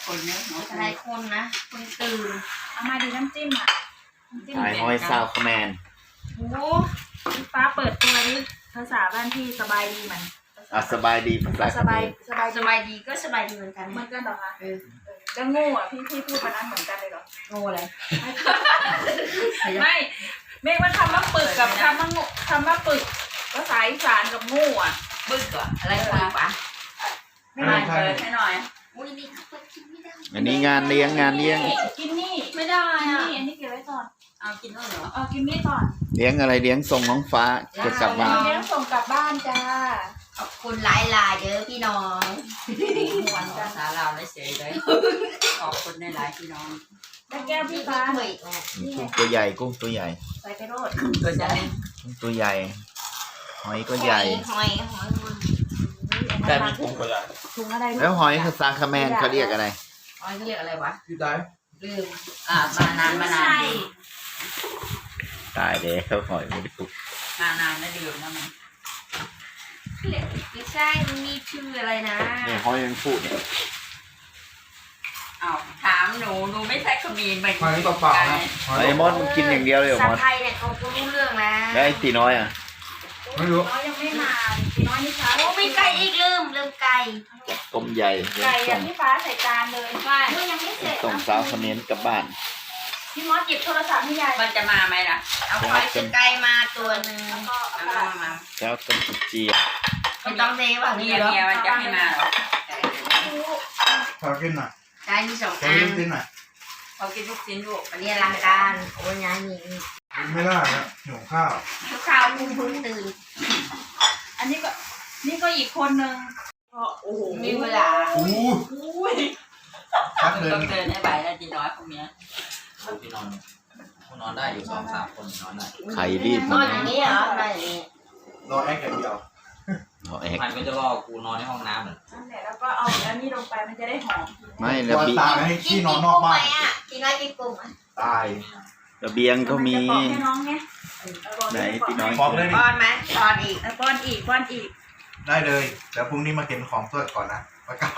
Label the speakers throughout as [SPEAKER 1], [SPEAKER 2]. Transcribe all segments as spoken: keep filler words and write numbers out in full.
[SPEAKER 1] คนเนอะหลายคนนะคนตื่นเอามาดีน้ำจิ้มอ่ะ
[SPEAKER 2] สายห้อยซาวคแมน
[SPEAKER 1] โอ้ฟ้าเปิดตัวดิภาษาบ้านพี่สบายดีเหมือน
[SPEAKER 2] อ่ะสบายดีภาษา
[SPEAKER 1] สบายสบายสบายดีก็สบายดีเหมือนกันเหมือนกันเหรอคะเออแล้วโง่อ่ะพี่พี่พูดมานั้นเหมือนกันเลยเหรอโง่อะไรไม่เมฆว่าคำว่าปึกกับคำว่าโง่คำว่าปึกภาษาอีสานกับโง่อ่ะปึกอ่ะอะไรปึกปะไม่ได้เปิดให้หน่อยอุ้ยนี่เปิดกินไม่ได้
[SPEAKER 2] อันนี้งานเลี้ยงงานเลี้ยง
[SPEAKER 1] กินนี่ไม่ได้อ่ะอันนี้เก็บไว้ก่อนเอากินนู่นเหรอเอากินนี่ก่อน
[SPEAKER 2] เลี้ยงอะไรเลี้ยงส่งน้องฟ้าจะกลับบ้าน
[SPEAKER 1] เลี้ยงส่งกลับบ้านจ้า
[SPEAKER 3] ขอบคุณหลายลายเด้อพี่น้อง
[SPEAKER 1] หวานจ้า
[SPEAKER 3] สาเราได้เสียเลยขอบคุณในหลายพี่น้อง
[SPEAKER 1] ได้แก้วพี่ฟ้า
[SPEAKER 3] หน่อย
[SPEAKER 2] กุ้งตัวใหญ่กุ้งตัวใหญ่
[SPEAKER 1] ใส่ไปโรด
[SPEAKER 3] ตัวใหญ่
[SPEAKER 2] กุ้งตัวใหญ่หอยก็ใหญ่
[SPEAKER 3] หอยหอย
[SPEAKER 4] แต่มีถุงก็ได้
[SPEAKER 1] ถุงอะไร
[SPEAKER 2] แล้วหอยภาษาคแมนเขาเรียกอะไร
[SPEAKER 3] หอยเขาเรียกอะไรวะ
[SPEAKER 4] พี่ได้
[SPEAKER 3] ลืมอ่ามานานมานาน
[SPEAKER 2] ตายเลยเขาหอยไม่ได้ปลุก
[SPEAKER 3] มานานแล้วลืมนะมันไม่ใช่มันมีชื่ออะไรนะ
[SPEAKER 2] เนี่ยหอยยังพูดเนี่ย
[SPEAKER 3] เอาถามหนูหนูไม่ใช่ขมิ้นไป
[SPEAKER 4] หอยเปล่าๆนะ
[SPEAKER 2] ไอ้มอนกินอย่างเดียวเลยเหรอมอน
[SPEAKER 3] ไทยเนี่ยเขารู้เรื่องนะ
[SPEAKER 2] แล้วไอ้ตีน้อยอ่ะ
[SPEAKER 4] ไม่รู้
[SPEAKER 1] น้อยยังไม่มาตีน้อยนี่ช้า
[SPEAKER 3] โอ้มีไก่อีกลืมลืมไก่
[SPEAKER 2] ต้มใหญ่
[SPEAKER 1] ไก่อย่างที่ฟ้าใส่จานเลยใช่ยังไม่เสร็จ
[SPEAKER 2] ส่งสาวคเมนกลับบ้าน
[SPEAKER 1] พี่มอสหยิบโทรศัพท์ให้ยาย
[SPEAKER 3] มันจะมาไหมล่ะเอาไก่ไก่มาตัวหนึ่งแล้วก็เอามา
[SPEAKER 2] แล้วต้มเจีย
[SPEAKER 3] ไม่ต้องเทว่าเมียเมียมันจะให้มาหรอ
[SPEAKER 4] ขอกินหน่อย
[SPEAKER 3] ไก่มีสองอัน
[SPEAKER 4] กินหน่อย
[SPEAKER 3] เขากินลูกชิ้นลูกอันนี้รังการโอ้ยยายมี
[SPEAKER 4] ไม่ได้นะหิวข้าว
[SPEAKER 3] ข้าวพุ่งพุ่งตื่น
[SPEAKER 1] อันนี้ก็นี่ก็อีกคนนึงโอ้โห
[SPEAKER 3] มีเวลา
[SPEAKER 4] อู้
[SPEAKER 1] ย
[SPEAKER 4] พักเดิน
[SPEAKER 3] ต้องเดินให้ไหวแล้วจีน้อยพวกนี้
[SPEAKER 5] พี่นอนนอนได้อยู่สองสามคนนอนได้
[SPEAKER 2] ไข่รีบ
[SPEAKER 3] นอนอย่างนี้เหรอนอนอย่างนี้
[SPEAKER 4] รอแอคอย่างเดียว
[SPEAKER 5] มันก็จะรอกูนอนในห้องน้ำเลย
[SPEAKER 1] นั่นแหละแล้วก็เอาแล้วนี่ลงไปมันจะได้หอม
[SPEAKER 2] ไม่ระเบียง
[SPEAKER 4] ให้ที่นอนนอกบ้าน
[SPEAKER 3] กินน้อยกินกุ้ง
[SPEAKER 4] ตาย
[SPEAKER 2] ระเบียงก็มีไหนพี่น้อย
[SPEAKER 4] บอกเลย
[SPEAKER 3] ป้อนไหมป้อนอีก
[SPEAKER 1] ป้อนอีกป้อนอีก
[SPEAKER 4] ได้เลยแล้วพรุ่งนี้มาเก็บของตัวก่อนนะมาเก่า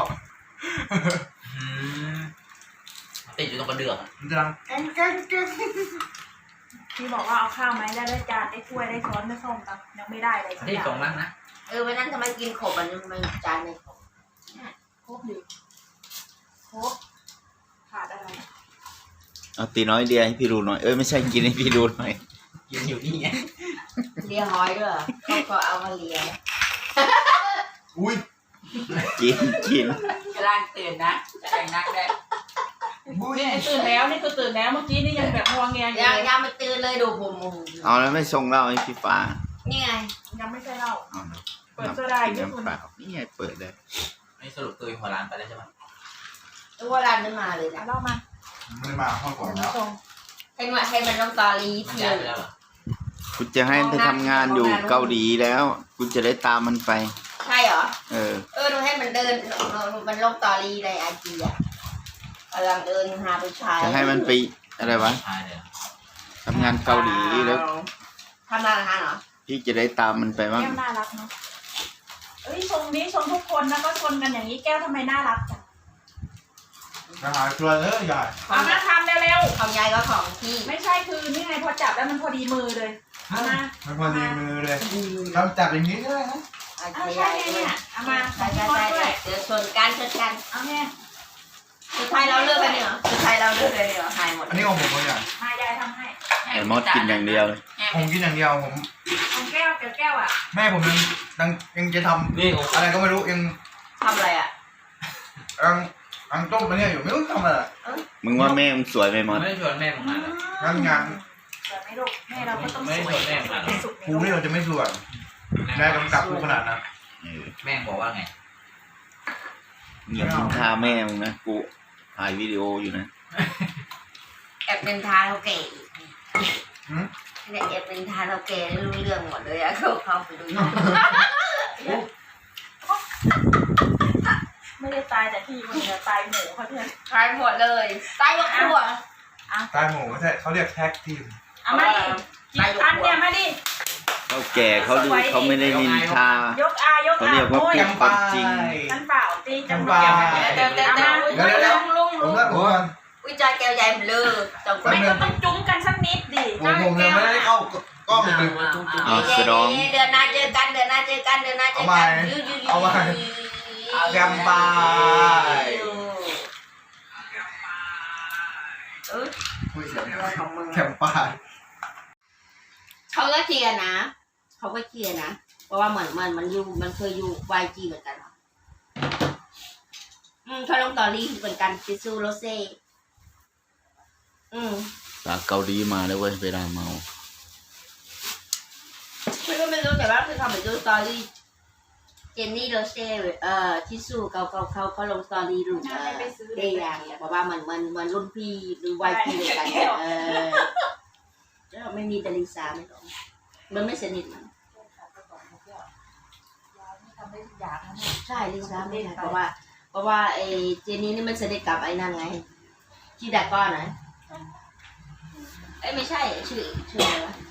[SPEAKER 5] ติดอยู่ตรงกระเดื่อง
[SPEAKER 4] มันจะดังแกงแกงแกง
[SPEAKER 1] พี่บอกว่าเอาข้าวไหมได้ได้จานได้ถ้วยได้ช้อนได้ส้มครับยังไม่ได้เลย
[SPEAKER 5] ที่ส่งมั้งนะ
[SPEAKER 3] เออวันนั้นทำไมกินขบอันนึงมันจานในขบ
[SPEAKER 1] ครบดิครบขาดอะไร
[SPEAKER 2] เอาตีน้อยเดียให้พี่ดูหน่อยเอ้ยไม่ใช่กินให้พี่ดูหน่อย
[SPEAKER 5] กินอยู่นี่ไง
[SPEAKER 3] เลียหอยด้วยเขาก็เอามาเลีย
[SPEAKER 4] อุ้ย
[SPEAKER 2] กินกิน
[SPEAKER 3] กำลังตื่นนะแต่งนักได้
[SPEAKER 1] นี่ตื่นแล้วนี่คือตื่นแล้วเมื่อกี้นี่ยังแบบงวงเงีย
[SPEAKER 3] ยังยังไม่ตื่นเลยดูผม
[SPEAKER 2] เอาแล้วไม่ส่งเหล้าให้พี่ฟ้า
[SPEAKER 3] นี่ไง
[SPEAKER 1] ยังไม่ใช่เหล้าเปิดโซดา
[SPEAKER 2] อยู่คุณนี่ไงเปิดเลย
[SPEAKER 5] ไม่สรุปตัวหัวร้านไปแล้วใช่ไหม
[SPEAKER 3] ตัวร้านไม่มาเลยนะ
[SPEAKER 1] เล่ามา
[SPEAKER 4] ไม่มาห้องก่อนแล้ว
[SPEAKER 3] ให้มาให้มันลงตอรี
[SPEAKER 5] เที่ยวแล้ว
[SPEAKER 2] คุณจะให้ไปทำงานอยู่เกาหลีแล้วคุณจะได้ตามมันไป
[SPEAKER 3] ใช่เหรอ
[SPEAKER 2] เออ
[SPEAKER 3] เออหนูให้มันเดินมันลงตอรีในไอจีอ่ะกำลังเดินหาผู้ชาย
[SPEAKER 2] จะให้มันไปอะไรวะทำงานเกาหลีแล้ว
[SPEAKER 3] ทำงานอะไรเหรอ
[SPEAKER 2] พี่จะได้ตามมันไปบ้าง
[SPEAKER 1] แก้วน่ารักเนาะเอ้ยชมนี้ชมทุกคนนะก็ชนกันอย่างนี้แก้วทำไมน่ารักจัง
[SPEAKER 4] มาหาตัวเลยยาย
[SPEAKER 1] เอามาทำเร็ว
[SPEAKER 3] ๆของยายก็ของพี่
[SPEAKER 1] ไม่ใช่คือนี่ไงพอจับแล้วมันพอดีมือเลยเอามา
[SPEAKER 4] มันพอดีมือเลยทำจับอย่างนี้ก็ได้นะ
[SPEAKER 1] เอาใช่เนี่ยเอามา
[SPEAKER 3] ใช่ใช่ใช่เดี๋ยวชนกันชนกัน
[SPEAKER 1] เอาแม่
[SPEAKER 3] สุดท้ายเราเลือกกันเนี่ยสุดท้ายเราเลือกเลยเนี่ยหายหมด
[SPEAKER 4] อันนี้ของผมเขาอย่าง
[SPEAKER 1] มายายทำให้
[SPEAKER 2] ไอ้มดกินอย่างเดียว
[SPEAKER 4] ผมกินอย่างเดียวผม
[SPEAKER 1] ของแก้วแก้วอ่ะ
[SPEAKER 4] แม่ผมยังยังยังจะทำนี่อะไรก็ไม่รู้ยัง
[SPEAKER 3] ทำอะไรอ่ะ
[SPEAKER 4] ยังยังต้มมาเนี่ยอยู่ไม่รู้ทำอะไร
[SPEAKER 2] มึงว่าแม่มึงสวยไหมมด
[SPEAKER 5] ไม่ชวนแม่ผมมาเลย
[SPEAKER 4] งานงาน
[SPEAKER 1] แต่ไม่ลูกแม่เราก็ต้องสวย
[SPEAKER 5] แม่มา
[SPEAKER 4] ครูนี่เราจะไม่สวยแม่กำกับครูขนาดนั้น
[SPEAKER 5] แม่บอกว่าไง
[SPEAKER 2] เงียบทิ้งท่าแม่มึงนะกูถ่ายวิดีโออยู่นะ
[SPEAKER 3] แอบเป็นทาเราเก๋เนี่ยแอบเป็นทาเราเก๋รู้เรื่องหมดเลยอะเขาเข้าไปดู
[SPEAKER 1] ไม่ได้ตายแต่ที่มันจะตายหมูเขาเพื่อน
[SPEAKER 3] ตายหมดเลยตายหมดตัว
[SPEAKER 4] ตายหมูไม่ใช่เขาเรียกแท็กทีม
[SPEAKER 1] เอามาดิกินอันเนี่ยมาดิ
[SPEAKER 2] เขาแก่เขาดูเขาไม่ได้นินทาย
[SPEAKER 1] กอายกอา
[SPEAKER 2] เขาเรียกว่าเป็นความจริง
[SPEAKER 1] ฉันเปล่าตีจังหวะ
[SPEAKER 3] เดี๋ยวเดี๋ยวเดี๋ยวลุงลุงจอยแก้วใหญ่เลยสองคน
[SPEAKER 1] ไม่ก็ต้องจุ้มกันสักนิดดิ
[SPEAKER 4] ผมผมยังไม่ได้เข้ากล้องเลย
[SPEAKER 2] อ่าสดอง
[SPEAKER 3] เดือนหน้าเจอกันเดือนหน้าเจอกันเดือนหน้าเจอกัน
[SPEAKER 4] เอามาแกมปลา
[SPEAKER 3] เออ
[SPEAKER 4] แกมปลา
[SPEAKER 3] เขาก็เคลียร์นะเขาก็เคลียร์นะเพราะว่าเหมือนมันมันอยู่มันเคยอยู่วายจีเหมือนกันอืมเขาลงตอรี่เหมือนกันซิซูโรเซ่อืม
[SPEAKER 2] จากเกาหลีมาเลยเว้ยเวลาเมา
[SPEAKER 3] ไม่ก็ไม่รู้แต่ว่าคือเขาเหมือนดูสตอรี่เจนนี่โรเซ่เอ่อทิซูเขาเขาเขาเขาลงสตอรี่รูปเออเดย์อย่างเนี่ยเพราะว่ามันมันมันรุ่นพี่หรือวายพีเหมือนกันเออแล้วไม่มีดาริซาไม่หรอกมันไม่สนิทมันใช่ลิซ่าไม่ได้เพราะว่าเพราะว่าไอ้เจนนี่นี่มันสนิทกับไอ้นั่นไงที่ดาก้อนนะเอ้ไม่ใช่ชื่อชื่ออะไรวะ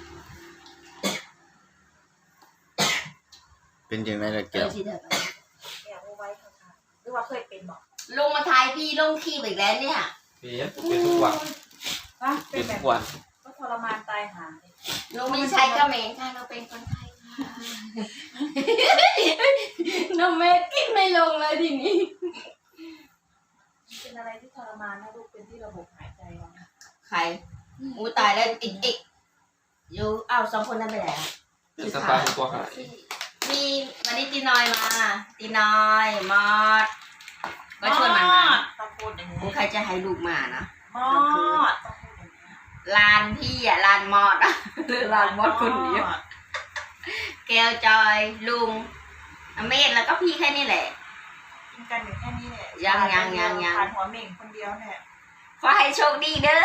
[SPEAKER 2] เป็นยังไงล่ะ
[SPEAKER 3] เอ
[SPEAKER 2] แก้
[SPEAKER 3] อ
[SPEAKER 2] ว
[SPEAKER 3] ที่ดาก้อน
[SPEAKER 1] อยากรู้ไว้ค่ะหรือว่าเคยเป็นบอก
[SPEAKER 3] ลงมาทายพี่ลงขี้อีกแล้วเนี่ย
[SPEAKER 5] เป็นเป็นทุกวัน
[SPEAKER 1] ว่าเป็
[SPEAKER 5] เป็น น
[SPEAKER 1] แบ
[SPEAKER 5] ทุ
[SPEAKER 1] บ
[SPEAKER 5] กวัน
[SPEAKER 1] ก็ทรมานตายหา
[SPEAKER 3] ลงไม่ใช่ก็เมนค่ะเราเป็นคนไทยค่ะน้องเมฆกินไม่ลงเลยทีนี้
[SPEAKER 1] เป็นอะไรที่ทรมานนะลูกเป็นที่ระบบหายใจเรา
[SPEAKER 3] ใครอูตายแล้วอีกอีกอยู่อ้าวสองคนนั้นไปไหนอ่ะ
[SPEAKER 5] เป็นสไตล์ตัวหาย
[SPEAKER 3] มีวันนี้ตีน้อยมาตีน้อยมอดก็ชวนมันมา
[SPEAKER 1] ต้องพูดอย่าง
[SPEAKER 3] กู
[SPEAKER 1] นี้
[SPEAKER 3] ใครจะให้ลูกมานะ
[SPEAKER 1] มอดต้องพูดอย่างนี้
[SPEAKER 3] ลานพี่อ่ะลานมอดอ่ะหรือลานมอดคนเดียวแก้วจอยลุงอเมธแล้วก็พี่แค่นี้แหละ
[SPEAKER 1] กินกันอยู่แค่นี้แหละ
[SPEAKER 3] ยังยังยังยัง
[SPEAKER 1] ทานหัวเหม่งคนเดียวเนี่ย
[SPEAKER 3] ขอให้โชคดีเด้อ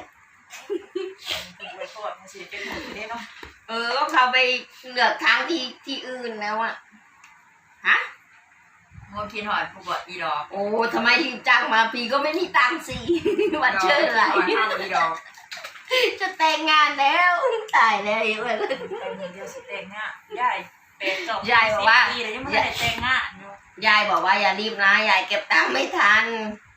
[SPEAKER 1] กินไปก่อนมันสิเป็นหมูได้เนาะ
[SPEAKER 3] เออก็เขาไปเลือกทางที่ที่อื่นแล้วอ่ะฮะ
[SPEAKER 6] งบพี่หอยผู้บดอีดอก
[SPEAKER 3] โอ้ทำไมถึงจ้างมาพี่ก็ไม่มีตังค์สิ วันเชื่ออะไร
[SPEAKER 6] พี่หอยอีดอก
[SPEAKER 3] จะแต่งงานแล้วตายแล้วอีกวัน
[SPEAKER 1] แต่เงินเดียวสิแต่งงานยายเป็นจบ
[SPEAKER 3] ยายบอกว่า
[SPEAKER 1] สิปีแล้วยังไม่ได้แต่งงานอยู่
[SPEAKER 3] ยายบอกว่าอย่ารีบนะยายเก็บตังค์ไม่ทัน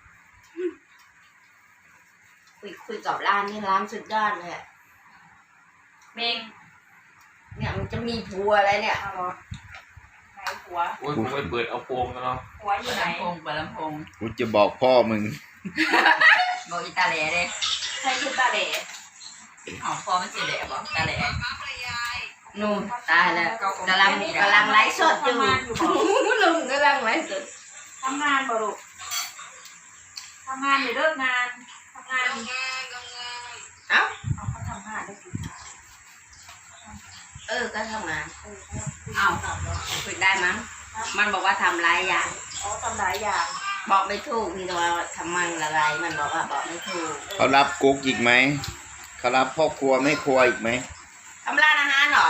[SPEAKER 3] คุยคุยกับร้านนี่ร้านสุดยอดเลยอะ
[SPEAKER 1] เมง
[SPEAKER 3] เนี่ยมันจะมีผัวอะไรเนี่ย
[SPEAKER 1] เอาเหรอไหนหัว
[SPEAKER 5] โอ้ยผมไปเปิดเอาโปงแล้วเนาะ
[SPEAKER 1] หัวอยู่ไหน
[SPEAKER 6] ลำโพงเปิดลำโพง
[SPEAKER 2] กูจะบอกพ่อมึง
[SPEAKER 6] บอกอีตาแหล่เด้
[SPEAKER 1] ใช่คือตาเหล่
[SPEAKER 6] เอาพอมันเสียแหล่บอกตาแหล่
[SPEAKER 3] นู่นตายแล้วกำลังกำลังไลฟ์สดอยู่ลุงกำลังไลฟ์สด
[SPEAKER 1] ทำงานบ่ลูกทำงานหรือเลิกงานทำงาน
[SPEAKER 3] เอ้า
[SPEAKER 1] เอาเขาทำงานได้กี่
[SPEAKER 3] เออก็ทำงาน
[SPEAKER 1] เอ้า
[SPEAKER 3] คุยได้มั้งมันบอกว่าทำหลายอย่าง
[SPEAKER 1] อ๋อทำหลายอย่าง
[SPEAKER 3] บอกไม่ถูกนี่ตัวทำมันอะไรมันบอกว่าบอกไม่ถูก
[SPEAKER 2] เขารับกุ๊กอีกไหมเขารับพ่อครัวไม่ครัวอีกไหม
[SPEAKER 3] ทำร้านอาหารเหรอ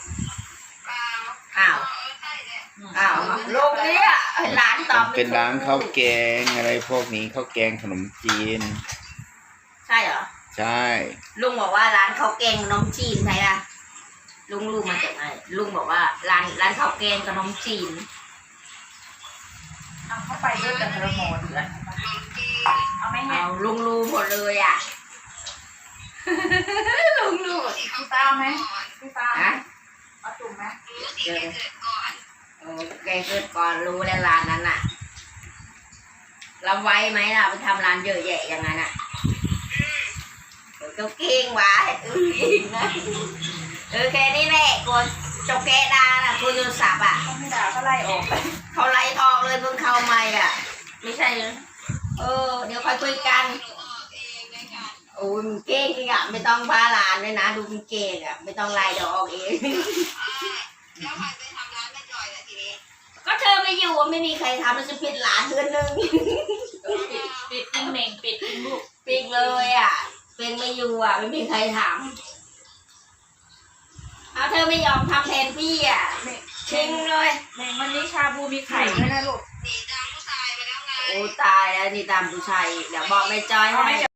[SPEAKER 3] อ้าวอ้าวลูกเนี่ยร้านตอบไม่ถูก
[SPEAKER 2] เป็นร้านข้าวแกงอะไรพวกนี้ข้าวแกงขนมจีน
[SPEAKER 3] ใช่เหรอ
[SPEAKER 2] ใช่
[SPEAKER 3] ลุงบอกว่าร้านข้าวแกงขนมจีนใช่อะลุงลุงมาจากไหนลุงบอกว่าร้านร้านข้าวแกงขนมจีน
[SPEAKER 1] เอาเข้าไปด้วยกันระโมเดือนเอาไหมเนี่
[SPEAKER 3] เอา
[SPEAKER 1] ย
[SPEAKER 3] ลุงรู้หมดเลยอ่ะ ลุงรู้
[SPEAKER 1] พี่ฟ้าเอาไหมพี่ฟ้า
[SPEAKER 3] ฮะ
[SPEAKER 1] เอาจุ่มไหม
[SPEAKER 3] เดี๋ยวโอ้แกเกิดก่อนรู้แล้วร้านนั้นอ่ะเราไว้ไหมล่ะไปทำร้านเยอะแยะอย่างนั้นอ่ะเออก็เก่งวะเออเก่งนะเออแค่นี้แหละกูจบแกดาน่ะกูโทรศัพท์อ่ะ
[SPEAKER 1] เขาไม่ด่าก็ไล่ออกไป
[SPEAKER 3] เขาไล่ออกเลยเพิ่งเข้าใหม่อ่ะ ไม่ใช่เหรอเออ เดี๋ยวค่อยคุยกันโอ้ยมึงเก่งจริงอ่ะไม่ต้องพาหลานเลยนะดูมึงเก่งอ่ะไม่ต้องไล่ดอกเองก็เธอไม่อยู่ไม่มีใครทำมันจะปิดหลานเดือนหนึง
[SPEAKER 1] ปิดปิดทิ้งเหม่งปิดทิ้งลูก
[SPEAKER 3] ปิดเลยอ่ะเป็นไม่อยู่อ่ะไม่มีใครทำเอาเธอไม่ยอมทำแทนพี่อ่ะทิ้งเลย
[SPEAKER 1] เหม่งวันนี้ชาบูมีไข่ด้วยนะลูก
[SPEAKER 3] โอ้ตายแล้วนี่ตามผู้ชายอีกเดี๋ยวบอกแม่จอยให้